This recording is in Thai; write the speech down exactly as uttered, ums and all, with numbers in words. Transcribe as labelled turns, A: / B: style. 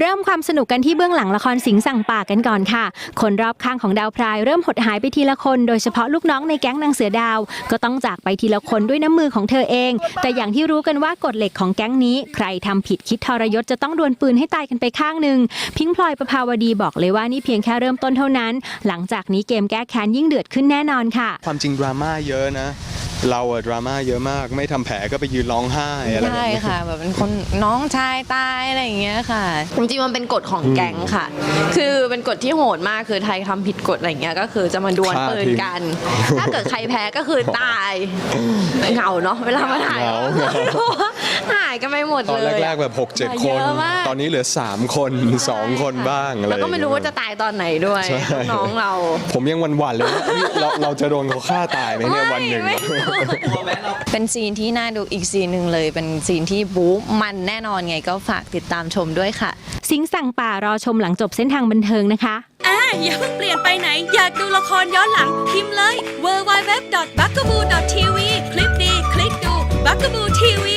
A: ริ่มความสนุกกันที่เบื้องหลังละครสิงห์สั่งป่ากันก่อนค่ะคนรอบข้างของดาวพรายเริ่มหดหายไปทีละคนโดยเฉพาะลูกน้องในแก๊งนางเสือดาวก็ต้องจากไปทีละคนด้วยน้ำมือของเธอเองแต่อย่างที่รู้กันว่ากฎเหล็กของแก๊งนี้ใครทำผิดคิดทรยศจะต้องดวลปืนให้ตายกันไปข้างหนึ่งพิงค์พลอยประภาวดีบอกเลยว่านี่เพียงแค่เริ่มต้นเท่านั้นหลังจากนี้เกมแก้แค้นยิ่งเดือดขึ้นแน่นอนค่ะ
B: ความจริงดราม่าเยอะนะเราอะดราม่าเยอะมากไม่ทำแผลก็ไปยืนร้องไห้อะไรแบบนี้
C: ใช่ค่ะแบบเป็นคนน้องชายตายอะไรอย่างเงี้ยค่ะจริงๆมันเป็นกฎของแก๊งค่ะคือเป็นกฎที่โหดมากคือไทยทำผิดกฎอะไรอย่างเงี้ยก็คือจะมาดวลปืนกันถ้าเกิดใครแพ้ก็คือตายเหงาเนาะเวลามาถ่ายหายกันไปหมดเลย
B: ตอนแรกๆแบบ หกเจ็ด คนตอนนี้เหลือสามคนสองคนบ้างอะไร
C: แล้วก็ไม่รู้ว่าจะตายตอนไหนด้วยน้องเรา
B: ผมยังหวั่นๆเลยเราเราจะโดนเขาฆ่าตายไหมเนี่ยวันหนึ่ง
C: เป็นซีนที่น่าดูอีกซีนหนึ่งเลยเป็นซีนที่บู๊มันแน่นอนไงก็ฝากติดตามชมด้วยค่ะ
A: สิงห์สั่งป่ารอชมหลังจบเส้นทางบันเทิงนะคะ
D: อ่าอย่าเพิ่งเปลี่ยนไปไหนอยากดูละครย้อนหลังพิมพ์เลย ดับเบิลยู ดับเบิลยู ดับเบิลยู ดอท บักกะบู ดอท ที วี คลิปดีคลิกดู บักกะบู ที วี